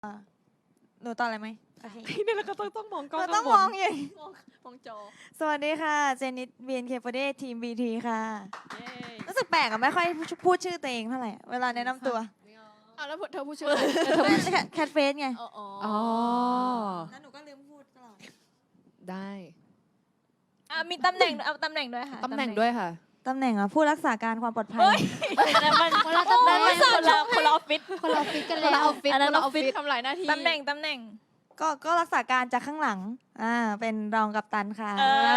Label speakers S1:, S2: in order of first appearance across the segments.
S1: หนูตอบอะไรไหมโอเค
S2: นี่เราก็ต้องมองกล้อง
S1: เราต้องมองอย่าง
S2: มองจอ
S1: สวัสดีค่ะ เจนิส BNK48 ทีม BT ค่ะ
S2: เย้
S1: รู้สึกแปลกอะไม่ค่อยพูดชื่อตัวเองเท่าไหร่เวลาแนะนำตัว
S2: อ้าวแล้วเธอพูดชื่ออะไร
S1: แคทเฟสไง
S2: อ๋อ
S1: แล้วหนูก็ลืมพูดตลอด
S2: ได้
S3: มีตำแหน่งเอาตำแหน่งด้วยค่ะ
S2: ตำแหน่งด้วยค่ะ
S1: ตำแหน่งผู้รักษาการความปลอดภัย
S3: แต่มัน
S4: คนละตำแหน่ง
S3: คนละออฟฟิศ
S4: คนละออฟฟิศกัน
S2: คน
S4: แล้
S2: ละ
S4: ว
S2: ออฟฟิศ
S3: อันนั้น
S2: คนละอ
S3: อ
S2: อ
S3: อ
S2: ฟ
S3: ฟฟิ
S2: ฟิ
S3: ศ
S2: ศทำหลายหน้าที่
S3: ตำแหน่ง
S1: ก็รักษาการจากข้างหลังเป็นรองกัปตันค่ะ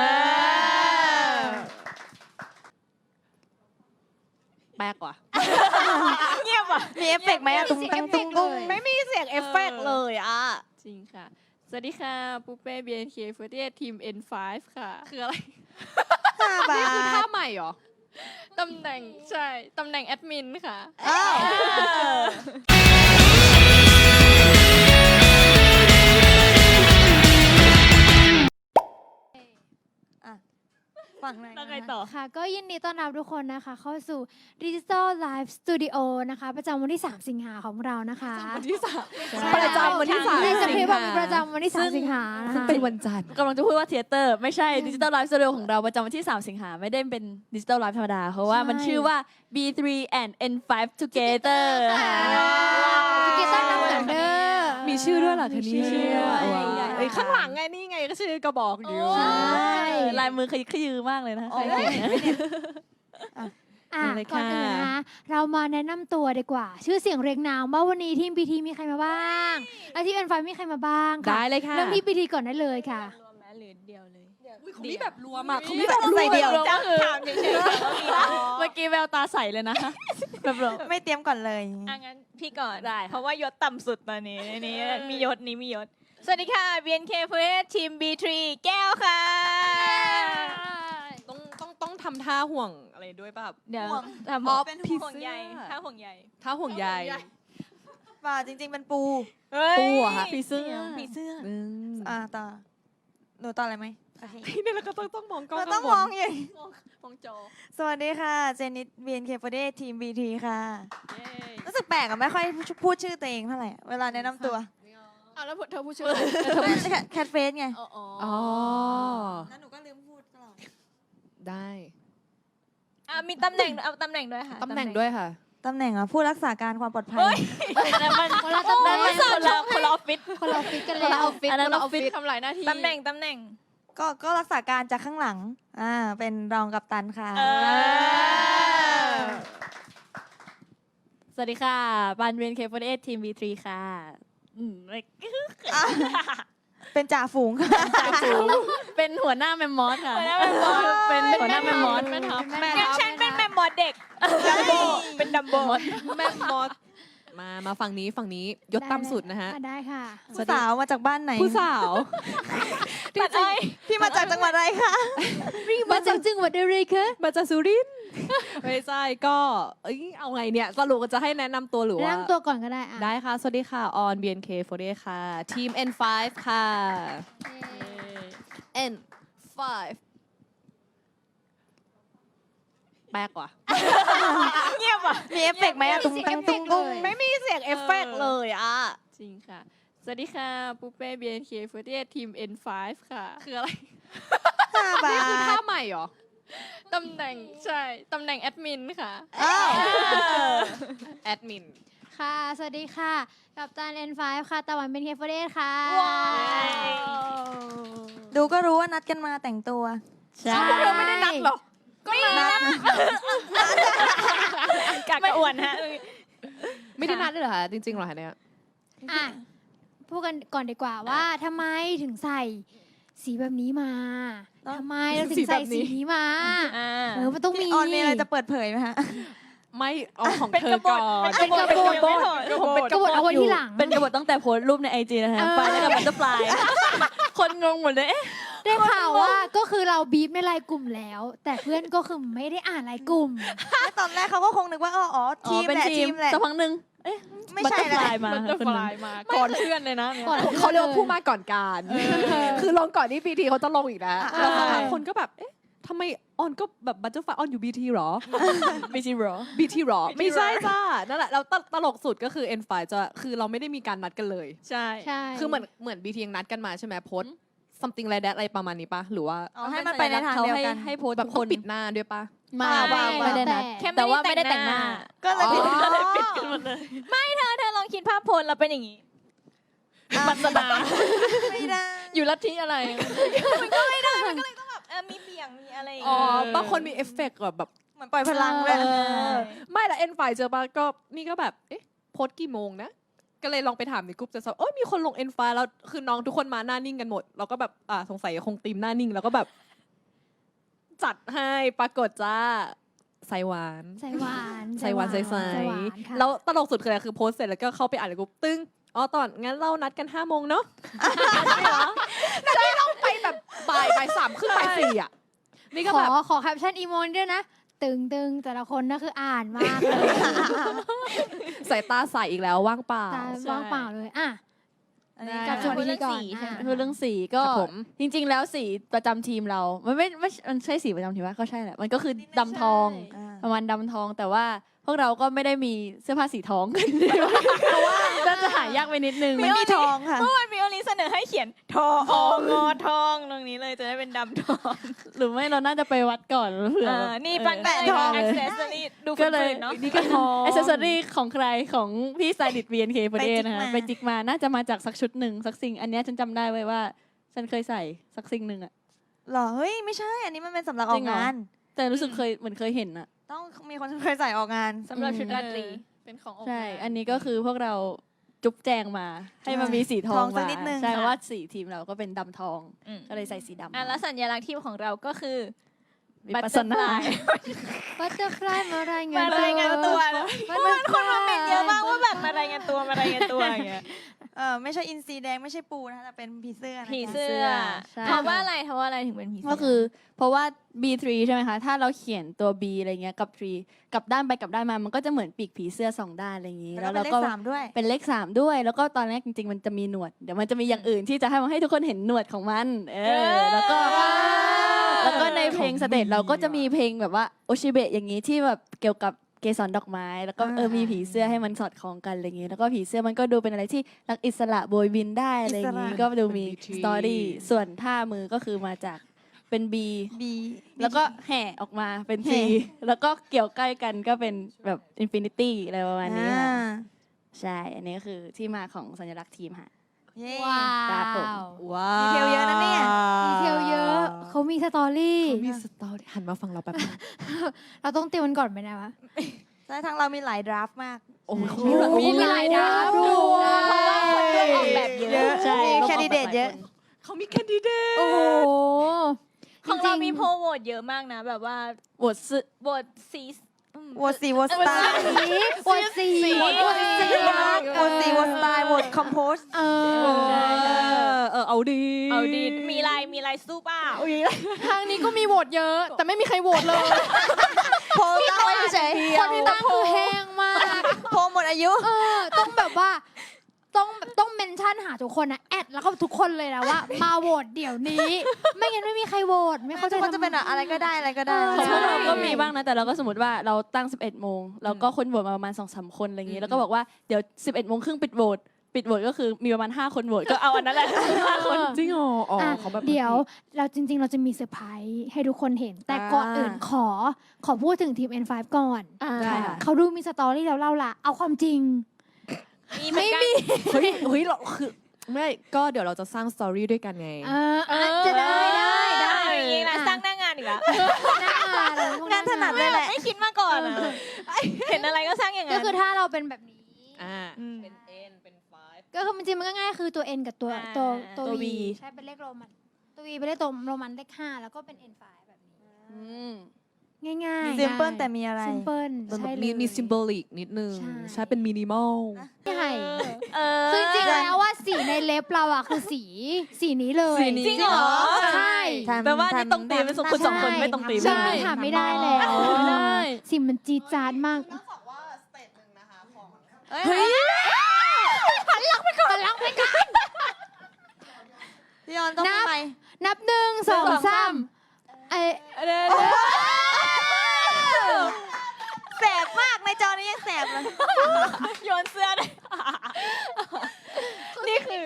S2: แปลกว่ะ
S3: เงียบอ่ะ
S1: มีเอฟเฟกต์ไหมอะตุ้งตังตุ้งกุ้ง
S2: ไม่มีเสียงเอฟเฟกต์เลยอ่ะ จริงค่ะ สวัสดีค่ะปูเป้ BNK48 ทีม N5 ค่ะ คืออะไร
S1: 5 บา
S2: นี่คือท่า
S1: ท
S2: ใหม่เหรอ ตำแหน่งใช่ ตำแหน่งแอดมินค่ะ
S1: อ้าวฝั่งไหน
S3: แล้วไงต่อ
S4: ค่ะ ก็ยินดีต้อนรับทุกคนนะคะ เข้าสู่ Digital Live Studio นะคะ ประจำวันที่ 3 สิงหาของเรานะคะ
S2: วันที่
S4: ใช่
S2: ประจำวันที่
S4: ในส
S2: 3
S4: คริปต์บอกมีประจำวันที่ 3 สิงหานะ
S2: ซึ่ง
S4: คะ
S2: เป็นวันจันทร์
S3: กำลังจะพูดว่าเทเตอร์ไม่ใช่ดิจิตอลไลฟ์สตูดิโอของเราประจำวันที่ 3 สิงหาไม่ได้เป็นดิจิตอลไลฟ์ธรรมดา เพราะว่ามันชื่อว่า B3 and N5 Together ค่ะ
S4: สเกตตั้งน้ำเหมือนเด้อ
S2: มีชื่อด้วยเหรอคะ
S3: มี
S2: นี่
S3: ชื่อด้วย
S2: ว้าวเอ้ยข้างหลังไงนี่ไงก็ชื่อกระบอกอยู่
S4: ใช่
S3: ลายมือขยือมากเลยนะ
S1: โอ้ย
S3: ใครเขียนนะ
S4: อ่ะ
S2: เลย
S4: ก่อน
S2: ค่ะ
S4: อื่นนะคะเรามาแนะนำตัวดีกว่า ชื่อเสียงเรียงนามว่าวันนี้ทีม BT มีใครมาบ้าง และทีม N5 มีใครมาบ้างค่ะ
S2: ได้เลยค่ะ
S4: เริ่มที่ BT ก่อนได้เลยค่ะ
S3: รวมแม้หรือเดียวเลย
S2: เขามีแบบรวมอ่ะเขา
S1: มี
S2: มี
S1: แบ
S2: แบบ บ
S1: ใส่เดี่ยว
S3: ก็คือถามเฉยๆเมื่อกี้แววตาใสเลยนะแบบรวม
S1: ไม่เตรียมก่อนเลย
S3: งั้นพี่ก่อนได้เพราะว่ายศต่ำสุดตอนนี้นี่มียศนี้มียศ สวัสดีค่ะ BNK48 ทีม B3 แก้วค่ะ
S2: ต้องทำท่าห่วงอะไรด้วยป่ะ
S3: เดี๋ยว
S1: ห่วง
S3: ทำ
S1: อ๋อ
S3: เป็น
S2: ผี
S3: ห่วง
S2: เสื้อ
S3: ใยถ้าห่วงใย
S2: ท่าห่วงใย
S1: ป่าจริง ๆ เป็นปู
S2: ปูเหรอคะ
S3: ผีเสื้อผีเสื้อ
S1: ต่อหนูตอบอะไรไหมโอเค
S2: นี่เราก็ต้องมองกล้อง
S1: เราต้องมองอย่าง
S2: มองจอ
S1: สวัสดีค่ะ เจนิส BNK48 ทีม BT ค่ะ
S2: เย้
S1: รู้สึกแปลกอะไม่ค่อยพูดชื่อตัวเองเท่าไหร่เวลาแนะนำตัว
S2: อ้าวแล้วเธอพูดชื่ออะไร
S1: แคทเฟสไง
S2: อ๋อ
S1: แล้วหนูก็ลืมพูดตลอด
S2: ได้
S3: มีตำแหน่งเอาตำแหน่งด้วยค่ะ
S2: ตำแหน่งด้วยค่ะ
S1: ตำแหน่งผู้รักษาการความปลอดภัย
S3: แต่มัน
S4: คนละตำแหน่ง
S3: คนละออฟฟิศ
S4: คนละออฟฟิศกัน
S2: คน
S4: แล้
S2: ละ
S4: ว
S2: ออฟฟิศ
S3: อันนั้น
S2: คนละ
S3: อ
S2: อ
S3: อ
S2: อ
S3: ฟ
S2: ฟ
S3: ฟิ
S2: ฟิ
S3: ศ
S2: ศทำหลายหน้าที่
S3: ตำแหน่ง
S1: ก็รักษาการจากข้างหลังเป็นรองกัปตันค่ะ
S3: สวัสดีค่ะปาน BNK48 ทีม B3 ค่ะไม่
S1: เป็นจ่าฝูงค่ะ
S3: เป็นหัวหน้าแมมมอสค่ะเป็นหัวหน้าแมมมอส
S2: แม่ทัพ
S3: งั้นฉันเป็นแมมมอสเด็กดัมโบเป็นดัมโบ
S2: แม่มอสมาฝั่งนี้ยศต่ำสุดนะฮะ
S4: ได้ค่ะ
S1: ผู้สาวมาจากบ้านไหน
S2: ผู้สาว
S3: ตัดอ้อย
S1: พี่มาจากจังหวัดอะไรคะ
S4: มาจากจังหวัดอะไรคะ
S2: มาจากสุรินทร์ไม่ใช่ก็เอาไงเนี่ยสรุปจะให้แนะนำตัวหรือ
S4: แนะ
S2: ว่า
S4: นำตัวก่อนก็ได้อ่ะ
S2: ได้ค่ะ สวัสดีค่ะ ออน BNK48 ค่ะ ทีม N5 ค่ะ N5 แปลกว่ะ
S3: เงียบอ่ะ
S1: มีเอฟเฟกต์ไหมอะตุ้งตังตุ้งกุ้ง
S2: ไม่มีเสียงเอฟเฟกต์เลยอ่ะ
S5: จริงค่ะ สวัสดีค่ะ ปูเป้ BNK48 ทีม N5 ค่ะ
S2: คืออะไร
S1: 5 บา
S2: นี่คือท่า
S1: ท
S2: ใหม่เหรอ
S5: ตำแหน่งใช่ ตำแหน่งแอดมินค่ะ
S1: อ้าว
S2: แอดมิน
S4: ค่ะ สวัสดีค่ะ กับตัน N5 ค่ะ ตะวันเป็นเคฟเดสค่ะ
S1: ดูก็รู้ว่านัดกันมาแต่งตัว
S3: ใช่
S4: พวกเราไม่ได้นัดหรอก
S1: นัด
S3: กากกระอ่วนฮะ
S2: ไม่ได้นัดเลยเหรอคะ จริงๆเหรอคะเนี่ย
S4: อ่ะ พูดกันก่อนดีกว่าว่าทำไมถึงใส่สีแบบนี้มาทำไมเราถึงใส่สีนี้มา มันต้องมี
S1: พี่ออนมีอะไรจะเปิดเผยไหมฮะ
S2: ไม่เอาของ
S3: เป็น
S2: เธ
S3: ก
S2: อบ ก่อ
S3: ฏ
S2: น
S3: เป็นกบฏผมเป็น
S4: กระบวนเอาไว้ที่หลัง
S3: เป็นกบฏตั้งแต่โพสต์รูปในไอจีนะคะไปแล้วกับบัตเตอร์ฟลายคนงงหมดเลย
S4: ได้ข่าวว่าก็คือเราบีบในไลน์กลุ่มแล้ว แต่เพื่อนก็คือไม่ได้อ่านไลน์กลุ่ม
S1: ตอนแรกเขาก็คงนึกว่าอ๋อทีม
S3: เป็น
S1: แหละ
S3: ที
S1: ที
S3: ม
S1: มแหละ
S3: สักพักหนึ่ง
S1: ไม่
S3: บัต
S1: ใช่
S3: เตอร์
S1: แห
S3: ฟ
S1: ละ
S3: ลายมา
S5: มันจะฟลายมา ก่อนเพื่อนเลยนะเนี่ย
S4: ก่อน
S2: เขาเรียกว่าผู้มาก่อนการ คือลงก่อนที่พีทีเขาจะลงอีกแล้ว
S1: อ่า
S2: แล้วสักพักคนก็แบบ เอ๊ะทำไม
S6: ออนก็แบบบัตเตอร์ไฟออนอยู่ BT หรอ
S3: ไม่ใช่หรอ
S6: BT หรอ ไม่ใช่จ้านั่นแหละแล้วตลกสุดก็คือ N5 จะคือเราไม่ได้มีการนัดกันเลย
S2: ใช่
S4: ใช่
S6: คือเหมือน BT ยังนัดกันมาใช่ไหมโพส something like that อะไรประมาณนี้ปะหรือว่า
S1: เอาให้มันไปในทางเดียวกัน
S3: ให้โพสต์
S6: แบบ
S3: ทุก
S6: ต้
S3: ค
S6: อง
S3: น
S6: ปิดหน้าด้วยปะ
S3: ไม่ได้นัด
S2: แค่
S3: แต่ว่าไม่ได้แต่งหน้า
S1: ก็เลยผิด
S2: ก็เลยปิดกันหมดเลยเธอลองคิดภาพโพลแล้วเป็นอย่างนี้ปัสนา
S1: ไม่ได้
S2: อยู่ลัทธิอะไร มีเบี่ยงมีอะไรอย่าง
S6: อ๋อ
S2: เงี้ย
S6: บางคนมีเอฟเฟกต์แบบ
S1: เหมือนปล่อยพลังเลย
S6: ไม่ละ N5 เจอปะก็นี่ก็แบบเอ๊ะโพสกี่โมงนะก็เลยลองไปถามในกลุ่มจะสอบมีคนลง N5 แล้วคือน้องทุกคนมาหน้านิ่งกันหมดเราก็แบบสงสัยคงตีมหน้านิ่งแล้วก็แบบ จัดให้ปรากฏจ้าใส่หวาน
S4: ใส่หวาน
S6: ใส่หวานใส่
S4: หวานค่ะ
S6: แล้วตลกสุดคืออะไรคือโพสเสร็จแล้วก็เข้าไปอ่านในกลุ่มตึ้งอ๋อตอนงั้นเรานัดกัน5 โมงเนาะนี่เราไปแบบบ่ายสามครึ่งบ่ายสี่อ่ะนี่ก็
S4: ขอ
S6: แบบ
S4: ขอแคปชั่นอีโมนด้วยนะ ตึงแต่ละคนนั่นคืออ่านมากเลย
S6: สายตาใสอีกแล้วว่างเปล่า
S4: ตาว่างเปล่าเลยอ่ะ
S1: อันนี้
S4: กลับ
S1: ก็
S4: มาที่นี่ก่อน
S2: ใช่ไหม
S3: คือเรื่องสีก็
S6: ครับผม
S3: จริง ๆ แล้วสีประจำทีมเรา มันไม่มันใช่สีประจำทีมว่าก็ใช่แหละมันก็คือดำทอง ประมาณดำทองแต่ว่าพวกเราก็ไม่ได้มีเสื้อผ้าสีทองกันเพราะว่าน่าจะหายากไปนิดนึง
S1: ไม่มีทองค่ะ
S2: เมื่อวานมีโอลิเสนอให้เขียนทองงอทองตรงนี้เลยจะได้เป็นดำทอง
S3: หรือไม่เราน่าจะไปวัดก่อนเผื่อแบบ
S2: นี่ปังแปะทอง accessory ดู
S3: ก็เลย
S2: เนาะ
S6: นี่ก็ทอง
S3: อ c เซสซอรี่ของใครของพี่สไตลิสต์ BNK ประเดนะคะ
S1: ไป
S3: ไป
S1: จิ
S3: จิ
S1: ก
S3: ก
S1: มา
S3: มาน่าจะมาจากสักชุดหนึ่งสักสิ่งอันเนี้ยฉันจำได้ไว้ว่า ฉันเคยใส่สักสิ่งหนึ่งอะ
S1: หรอ เฮ้ย ไม่ใช่ อันนี้มันเป็นสำหรับอ
S3: จ
S1: อ
S3: ริ
S1: ก
S3: งเหรอ
S1: งาน
S3: แต่รู้สึกเคยเห็นอะ
S1: ต้องมีคนเคยใส่ออกงาน
S2: สำหรับชุดราตรีเป็นของ
S3: ใช่ อันนี้ก็คือพวกเราจุ๊บแจงมา ให้มันมีสีทอ
S1: ทอง งสัก
S3: มา
S1: นิดนึง
S3: ใช่
S1: ค่ะ
S3: เพราะว่าสีทีมเราก็เป็นดำทอง
S2: อืม
S3: ก็เลยใส่สีดำ
S2: แล้วสัญลักษณ์ทีมของเราก็คือ
S3: วิปัสสนา
S4: บัตเตอร์ฟลายมารายงาน
S2: มารายงานตัว
S4: คนมาเป็น
S2: เยอะมากว่าแบบมารายงานตัวอย่างเงี้ย
S1: ไม่ใช่อินทรีแดงไม่ใช่ปูนะคะแต่เป็นผีเสื้อนะคะ
S2: ผีเสื้อ
S3: ใช่
S2: เพราะว่าอะไรถึงเป็นผีเสื้อ
S3: ก็คือเพราะว่า B3 ใช่ไหมคะ ถ้าเราเขียนตัว B อะไรเงี้ยกับ 3 กับด้านไปกับด้านมา มันก็จะเหมือนปีกผีเสื้อ2 ด้านอะไรอย่างนี้
S1: แล้วก็เป็นเลข 3 ด้วย
S3: เป็นเลข 3 ด้วย แล้วก็ตอนแรกจริง ๆ มันจะมีหนวด เดี๋ยวมันจะมีอย่างอื่นที่จะให้ทุกคนเห็นหนวดของมัน แล้วก็ในเพลงสเตจเราก็จะมีเพลงแบบว่าโอชิเบะอย่างนี้ที่แบบเกี่ยวกับเกสรดอกไม้ แล้วก็มีผีเสื้อให้มันสอดคล้องกันอะไรอย่างนี้ แล้วก็ผีเสื้อมันก็ดูเป็นอะไรที่รักอิสระโบยบินได้อะไรอย่างนี้
S1: อิสระ
S3: ก็ดูมี
S6: เป็น BT
S3: สตอรี่ ส่วนท่ามือก็คือมาจากเป็น B
S1: บี
S3: แล้วก็แห่ออกมาเป็น
S1: แห่
S3: T แล้วก็เกี่ยวใกล้กันก็เป็นแบบอินฟินิตี้อะไรประมาณนี้ค่ะใช่ อันนี้ก็คือที่มาของสัญลักษณ์ทีมค่ะ
S1: เย้
S4: ว้า
S3: ครับผม
S4: ว
S6: ว้าว
S1: ดีเทลเยอะนะเนี่ย
S4: ดีเทลเยอะเขามีสตอรี่
S6: เขามีสตอรี่หันมาฟังเราแป๊บนึง
S4: เราต้องเตรียมมันก่อนไหมนะวะ
S1: ใช่ทางเรามีหลายดราฟต์มาก
S6: โอ้ยเขา
S4: มีหลายดาวด้
S2: เพราะว่าคนช่วยออกแบบเย
S1: เย
S2: อะ
S1: อะ
S3: ใช่
S1: มีแคนดิเดตเยอะ
S6: เขามีแคนดิเดต
S4: โอ้โห
S2: ของเรามี
S4: จงๆ
S2: โพลโหวตเยอะมากนะ แบบว่า
S3: โหวตซึ
S2: โหวตซี
S1: โหวตสีโหวตสไตล์
S4: โหวตสีโหวตสี
S1: โหวตสีโหวตสไตล์โหวตคอมโพส
S4: เออ
S6: เอาดี
S2: เอาดีมีลายสู้เปล่า
S5: ทางนี้ก็มีโหวตเยอะ แต่ไม่มีใครโหวตเลย
S1: โพลตั้งไว้เฉย
S4: คนที่ตั้งคือแห้งมาก
S1: โพลหมดอายุ
S4: ต้องแบบว่าต้องเมนชั่นหาทุกคนนะแอดแล้วก็ทุกคนเลยนะว่า มาโหวตเดี๋ยวนี้ ไม่งั้นไม่มีใครโหวตไม่เข้าใจ
S1: ทุกคนจะเป็นอะไรก็ได้อะไรก็ได้
S3: ของพวกเราก็มีบ้างนะ แต่เราก็สมมติว่าเราตั้ง 11 โมงแล้วก็คนโหวตมาประมาณ 2-3 คนอะไรอย่างนี้ แล้วก็บอกว่าเดี๋ยว 11 โมงครึ่งปิดโหวตก็คือมีประมาณ 5 คนโหวตก็เอาอันนั้นแหละ 5 คน
S6: จริงเหรออ๋อ
S4: อ่ะ
S6: เขาแบบ
S4: เดี๋ยวเราจริง ๆ เราจะมีเซอร์ไพรส์ให้ทุกคนเห็น แต่ก่อนอื่นขอพูดถึงทีม N5 ก่อน
S3: ได้ค่ะ
S4: เขาดูมีสตอรี่แล้วเล่าละเอาความจริง
S2: ไม่มี
S6: เฮ้ยเราคือไม่ก็เดี๋ยวเราจะสร้างสตอรี่ด้วยกันไง
S4: จะได้
S2: อย่างนี้นะสร้างหน้างานอีกแล้ว
S4: หน้างานเลยพวก
S1: งานถนัดเลยแหละ
S2: ไม่คิดมาก่อนอะเห็นอะไรก็สร้างอย่าง
S4: ก็
S2: นั้น
S4: คือถ้าเราเป็นแบบนี้
S6: เป็น N เป็น 5
S4: ก็คือจริงๆมันก็ง่ายคือตัว N กับตัว
S3: ตัว
S4: V
S3: V
S4: ใช่เป็นเลขโรมันตัว V เป็นเลขตัวโรมันเลข5แล้วก็เป็น N5 แบบนี้ ง่ายๆ
S1: ซิมเปิลแต่มีอะไร
S4: ซิมเปิลใช่เลย
S6: มีซิมโบลิกนิดนึง
S4: ใช่
S6: ใช่เป็นมินิมอล
S4: ใช่
S2: เออ
S4: คือจริงๆแล้วว่าสีในเล็บเราอ่ะคือสีนี้เลย
S3: สีนี้
S2: จริงเหรอ
S4: ใช่
S3: แปลว่านี่ตรงตีมเป็นคุณสองคนไม่ตรงตีม
S4: ใช่ถามไม่ได้แล้ว
S3: ได้
S4: สีมันจี๊ดจ๊าดมาก
S1: เฮ้ย
S4: หันหลังไปก่อน
S1: พี่ออนต้องทำไม
S4: นับ1 2 3
S1: แสบมากในจอนี้ยังแสบเลย
S2: โยนเสื้อเลยนี่คือ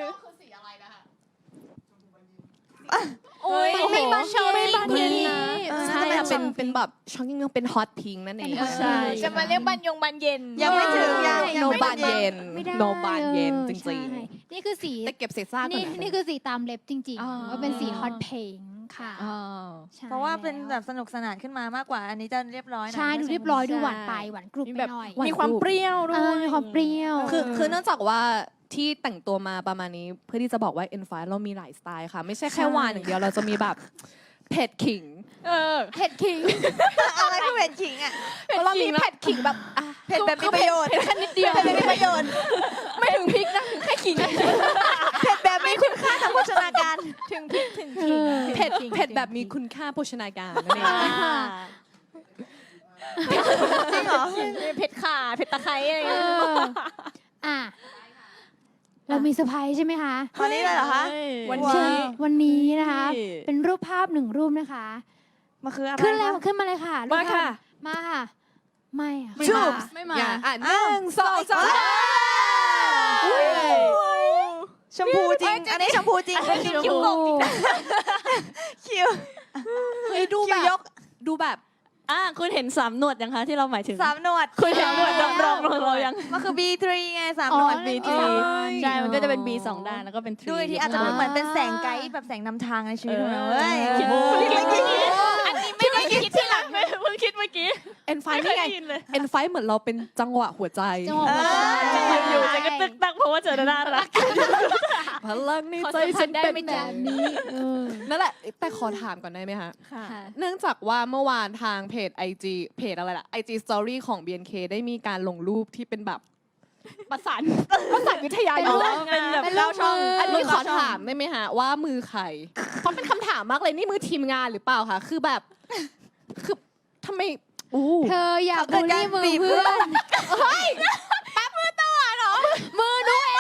S5: โอ้ย
S4: ไม่บานเย็น
S2: ไม่บานเย็นนะ
S6: ใช่ค่ะเป็นแบบช็อกกิ้งเป็นฮอตพิงนั่นเอง
S2: ใช่จะมาเรียกบานเย็น
S1: ยังไม่ถึงยัง
S6: โน
S1: ไม่
S6: บานเย็น
S4: ไม่ได้
S6: โนบานเย็นจ
S4: ใช่
S6: ริง
S4: นี่คือสี
S6: ๆแต่เก็บเศษซากก่อน
S4: นี่คือสีตามเล็บจริง
S6: อ๋อ
S4: ๆว่าเป็นสีฮอตเพงค่ะ
S6: อ๋อ
S4: ใช่
S1: เพราะว่าเป็นแบบสนุกสนานขึ้นมามากกว่า อันนี้จะเรียบร้อยหน่อย
S4: ใช่ดูเรียบร้อยดูหวานไปหวานกรุบ
S2: มี
S4: ไป
S2: แบบ
S4: หน่อย
S2: มีความเปรี้ยวด้
S4: เอ
S2: ว
S4: อย มีความเปรี้ยว
S6: คือเนื่องจากว่าที่แต่งตัวมาประมาณนี้เพื่อที่จะบอกว่า N5 เรามีหลายสไตล์ค่ะ ไม่ใช่แค่หวานอย่างเดียวเราจะมีแบบเผ็ดขิง
S4: เผ็ดขิง
S1: อะไรคือเผ็ดขิงอ่ะ
S6: เรามีเผ็ดขิงแบบ
S1: เผ็ดแบบมีประโยชน์
S2: แค่นิดเดียว
S1: เผ็ดแบบมีประโยชน์
S2: ไม่ถึงพริกนะถึงแค่ขิง
S1: เผ็ดแบบมีคุณค่าทางโภชนาการ
S2: ถึงพริกถึงขิง
S6: เผ็ดแบบมีคุณค่าโภชนาการนั่นเอง
S1: จริงเหรอ
S2: เผ็ดข่าเผ็ดตะไคร้อะไร
S4: เอ
S2: เงี้ย
S4: ออ่ะเรามีเซอร์ไพรส์ใช่ไหมคะ
S1: ตอนนี้เลยเหรอคะ
S2: วัน
S1: ว้าว
S2: นี้
S4: วันนี้นะคะ เป็นรูปภาพ1 รูปนะคะ
S1: มันคืออะไร
S4: ขึ้นเลย
S1: คะ
S4: ขึ้นมาเลยค่ะรูป
S6: มา
S4: ภพ
S6: ค่ะ
S4: มาค่ะ ไม่อะ
S1: ชูบ
S3: ไม่มา
S6: อย่าอ่าน
S1: อ้าว
S6: 1 2 3
S1: ชมพูจริง อันนี้ชมพูจริง
S2: คิ้วโกงจริง
S1: คิว
S6: เฮ้ยดู
S1: คิ
S6: แบ
S1: ว
S6: บ
S1: ยก
S6: ดูแบบ
S3: คุณเห็น3 หนวดยังคะที่เราหมายถึง
S1: 3 หนวด
S3: คุณเห็นหนวดดำรงของเรายัง
S1: มันคือ B3 ไง3 หนวด
S3: B3 ใช่ มันก็จะเป็น B 2 ด้านแล้วก็เป็น 3
S1: ดูอีกทีอาจจะเป็นเหมือนเป็นแสงไกด์แบบแสงนำทางในชีวิตของเราเว้ย
S3: คิด
S1: โอ้โห
S3: เมื่อกี้
S2: อันนี้ไม่ได้คิดที่หลังเลยเพิ่งคิดเมื่อกี้
S6: N5 นี่ไง N5 เหมือนเราเป็นจังหวะหัวใจ
S4: จังหวะหัวใจ
S2: อยู่ๆจะก็ตึกตักเพราะว่าเจอน่ารัก
S6: พลังใน
S2: ขอ
S6: ใจ
S2: สัมผั
S6: ฉั
S2: ส
S6: น
S2: ได้
S6: เป็น
S2: ไหม
S6: แบ
S2: จ๊ะ
S6: บนี้นั่นแหละ แต่ขอถามก่อนได้ไหมคะ
S2: ค่ะ
S6: เนื่องจากว่าเมื่อวานทางเพจ IG เพจอะไรล่ะ IG Story ของ BNK ได้มีการลงรูปที่เป็นแบบประสานวิทยา
S4: เป็น
S6: ยุ
S4: รู
S6: ท
S4: ป
S6: ธ์
S2: เป็นแบบ
S4: เป็นรู
S2: เก้า
S4: ป
S2: ช่อง
S4: มือ
S6: อันนี้ขอถามได้ไหมฮะว่ามือใครเพราะเป็นคำถามมากเลยนี่มือทีมงานหรือเปล่าคะคือแบบคือทำไมอู้
S4: เธออย่าบูลลี่มือเพื่อนมือหนูเอง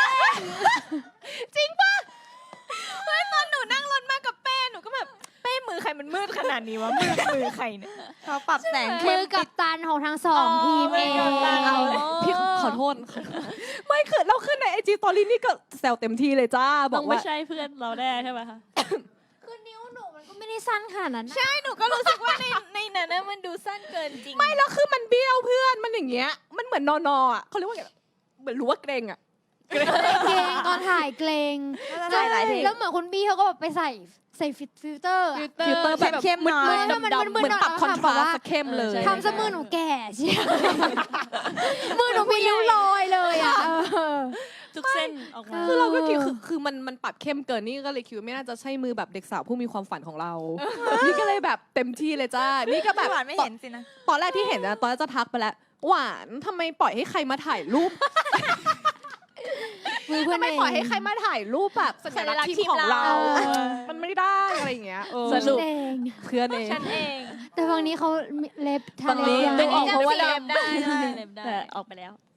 S2: ตอนหนูนั่งรถมากับเป้หนูก็แบบเป้มือใครมันมืดขนาดนี้วะมือใครเนี่ย
S1: เขาปรับแสง
S4: มื
S1: เข้ม
S4: อกับตันของทั้ง2 ทีมเอง
S2: มือกัปตันเอา
S6: พี่ขอโทษไม่คือเราขึ้นใน IG Story นี่ก็แซวเต็มที่เลยจ้าบ
S2: ต้
S6: อ
S2: อง
S6: ก
S2: ไม่
S6: ว่า
S2: ใช่เพื่อนเราแน่ใช่ไหมคะ
S4: คือนิ้วหนูมันก็ไม่ได้สั้นขนาดนั้นนะ
S2: ใช่หนูก็รู้สึกว่าในนั้นนะมันดูสั้นเกินจริง
S6: ไม่แล้วคือมันเบี้ยวเพื่อนมันอย่างเงี้ยมันเหมือนนออ่ะเขาเรียกว่าไงเหมือนรู้ว่าเกรงอ่ะ
S4: เกรงตอนถ่ายเกรง
S1: น่าจะหลายที
S4: แล้วเหมือนคุณบี้เขาก็แบบไปใส่ฟิลเตอร์อะ
S6: ฟิลเตอร์แบบ
S1: เข้มๆหน่อย
S4: มืดๆมัน
S6: เหมือนปรับคอนทราสต์เข้มเลย
S4: ทำซะมือหนูแก่เชียวมือหนูมีริ้วรอยเลยอ่ะ
S2: ทุกเส้นออกมา
S6: คือเราก็คิดคือมันปรับเข้มเกินนี่ก็เลยคิดว่าไม่น่าจะใช่มือแบบเด็กสาวผู้มีความฝันของเรา นี่ก็เลยแบบเต็มที่เลยจ้า นี่ก็แบบ
S1: หวานไม่เห็นสินะ
S6: ตอนแรกที่เห็นนะตอนแรกจะทักไปแล้ว หวานทำไมปล่อยให้ใครมาถ่ายรูป
S4: มือเพื่อน
S6: ทำไม
S4: เอง
S6: ปล่อยให้ใครมาถ่ายรูปแบบสัญลักษณ์ทีมของเรา มันไม่ได้อะไรอย่างเงี้ย
S3: สรุป
S4: เอง
S6: เพื่อนเอง
S2: ฉันเอง
S4: แต่ฝั่งนี้เขาเล็บทา
S3: ฝั่งนี้
S4: เล็บ
S3: ดึงออกเพราะว่า
S2: เล็
S3: ดำ
S2: บได้เล็บได้
S3: แต่ออกไปแล้ว